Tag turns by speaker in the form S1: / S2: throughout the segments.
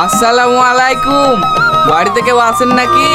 S1: আসসালামু আলাইকুম। বাড়িতে কেউ আছেন নাকি?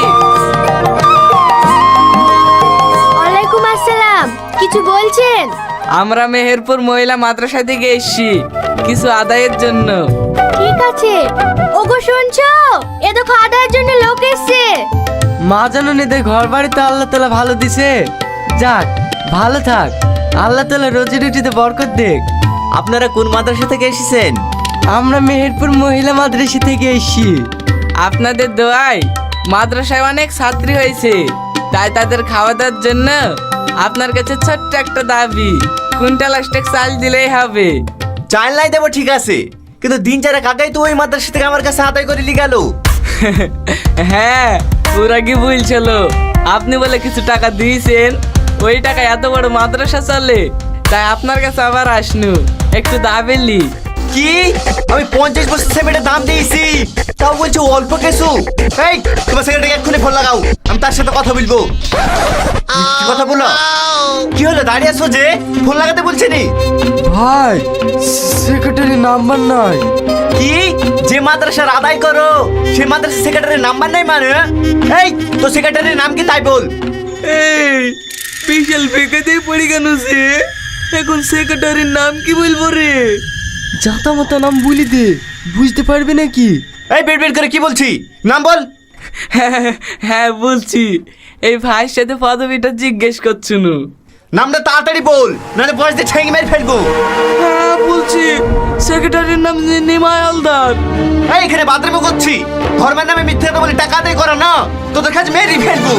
S2: ওয়ালাইকুম আসসালাম। কিছু বলছেন?
S1: আমরা মেহেরপুর মহিলা মাদ্রাসা থেকে এসেছি কিছু আদায়ের জন্য।
S2: ঠিক আছে। ওগো শুনছো? এ দেখো আদায়ের জন্য লোক এসেছে।
S3: মা জাননীদের ঘর বাড়িতে আল্লাহ তাআলা ভালো দিছে। যাক, ভালো থাক। আল্লাহ তাআলা রোজি রুটিতে বরকত দেখ।
S4: আপনারা কোন মাদ্রাসা থেকে এসেছেন?
S3: আমরা মেহেরপুর মহিলা মাদ্রাসা থেকে এসেছি।
S1: আপনাদের দোয়ায় মাদ্রাসায় অনেক ছাত্রী হয়েছে, তাই তাদের খাওয়া দাওয়ার জন্য আপনার কাছে ছোট্ট একটা দাবি, কুইন্টাল অষ্টেক চাল দিলেই হবে।
S4: চাল নাই দেবো ঠিক আছে, কিন্তু দিন চারেক আগেই তো ওই মাদ্রাসা থেকে আমার কাছে আদায় করে নিয়ে গেল।
S1: হ্যাঁ, ওরা কি বলছিল আপনি বলে কিছু টাকা দিয়েছেন, ওই টাকা এত বড় মাদ্রাসা চলে, তাই আপনার কাছে আবার আসনু একটু দাবেলি।
S4: কি আমি 50 বছর সিমেন্টের দাম দিয়েছি, তাও বলছো অল্প কিছু? এই তোমার সেক্রেটারি এক্ষুনি ফোন লাগাও, আমি তার সাথে কথা বলবো। কি কথা বলো? কি হলো, দাঁড়িয়ে আছো যে? ফোন লাগাতে বলছি নি?
S3: ভাই, সেক্রেটারি নাম্বার নাই।
S4: কি যে মাদ্রাসার আদায় করো সেই মাদ্রাসার সেক্রেটারির নাম্বার নাই মানে? এই তো সেক্রেটারির নাম কি তাই বল।
S1: এই বিশাল বেকাতেই পড়ে কেন সে? এখন সেক্রেটারির নাম কি বলবো রে?
S3: জাতা মাতা নাম বলি দে, বুঝতে পারবি নাকি?
S4: এই বের বের করে কি বলছি, নাম বল।
S1: হ্যাঁ বলছি, এই ভাইয়ের সাথে পদবিটা জিজ্ঞেস করছুন।
S4: নামটা তাড়াতাড়ি বল, নাহলে বয়স দিয়ে ঠেঙে মেরে ফেলবো।
S1: হ্যাঁ বলছি, সেক্রেটারির নাম নিমাই হালদার।
S4: এই এখানে বাথরুমে করছি, ধর্মের নামে মিথ্যে কথা বলে টাকা আদায় করা না, তোদের কাছে মেরে ফেলবো।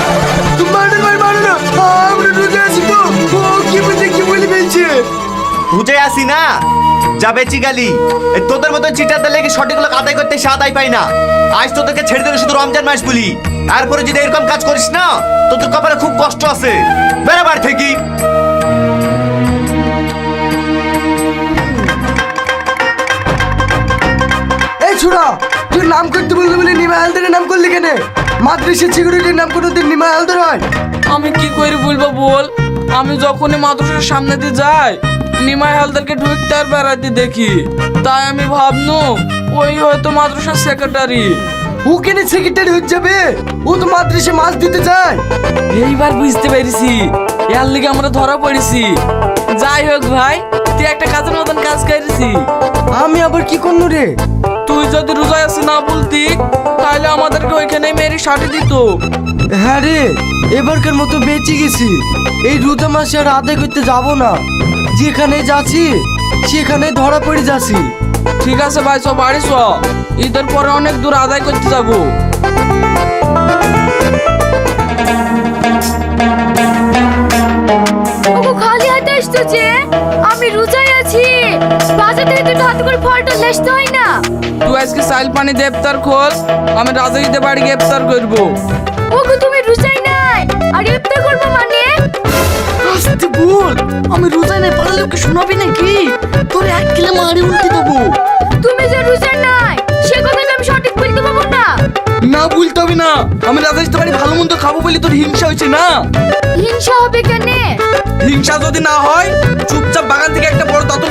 S3: আমরা ঢুকে আছি তো, ও কি বুঝে কি বলি বলছে?
S4: বুঝে আসি না, যা বেচি গালি। এই তোদের মতো চিটারদের লেগে সঠিক লোক আদায় করতে সে আদায় পাই না। আজ তোদেরকে ছেড়ে দিলে শুধু রমজান মাস বলি, তারপরে যদি এরকম কাজ করিস না, তোদের কপালে খুব কষ্ট আছে। বেড়াবার থেকে
S3: এই ছোড়া, তুই নাম করতে বললি বলে নিমাই হালদারের নাম করলি কেন? মাদ্রাসা সিকিউরিটির নাম কোনোদিন নিমাই হালদার হয়?
S1: আমি কি করে বলবো বল, আমি যখনই মাদ্রাসার সামনে দিয়ে যাই নিমাই হালদারকে ঢুকতে আর বেড়াতে দেখি, তাই আমি ভাবনু ওই হয়তো মাদ্রাসার সেক্রেটারি।
S3: ও কেন সেক্রেটারি হয়ে যাবে? ও তো মাদ্রাসা মাছ দিতে যায়।
S1: এইবার বুঝতে পেরেছি এর লিগে আমরা ধরা পড়েছি। যাই হোক ভাই, তুই একটা কাজের মতন কাজ করেছি।
S3: আমি আবার কি করনু রে?
S1: তুই যদি রোজায় আসি না বলতি, তাহলে আমাদেরকে ওইখানে মেরে সাথে দিত।
S3: হ্যাঁ রে, এবারকার মতো বেঁচে গেছি। এই রোজা মাসে আর আদায় করতে যাব না। যেখানে যাচ্ছি সেখানে ধরা পড়ে যাচ্ছি।
S1: ঠিক আছে ভাই, সব বাড়ি চ, ঈদের পরে অনেক দূর আদায় করতে যাবো।
S2: ওগো খালি হাতে আসছো যে? আমি রোজায় আছি। বাজার থেকে দুটো হাতে করে ফলটা লেসতে হয় না?
S1: তুই আজকে সাইল পানি দেবতার খোল, আমি রাজাইতে বাড়ি গ্রেপ্তার করবো।
S2: ওগো তুমি রোজায় নাই আর ইফতার করবে মানে?
S3: আস্তে বল, আমি রোজা নাই, পারলে ওকে শোনাবি নাকি? তোর এক কিলো মারি উল্টে দেবো।
S2: তুমি যে রোজায় নাই সে কথা তো আমি সঠিক বলতে পারবো না।
S1: না বলতে হবে না, আমি রাজাইতে বাড়ি ভালো মন্দ খাবো বলে তোর হিংসা হয়েছে না?
S2: হিংসা হবে কেন?
S1: হিংসা যদি না হয় চুপচাপ বাগান থেকে একটা বড় তত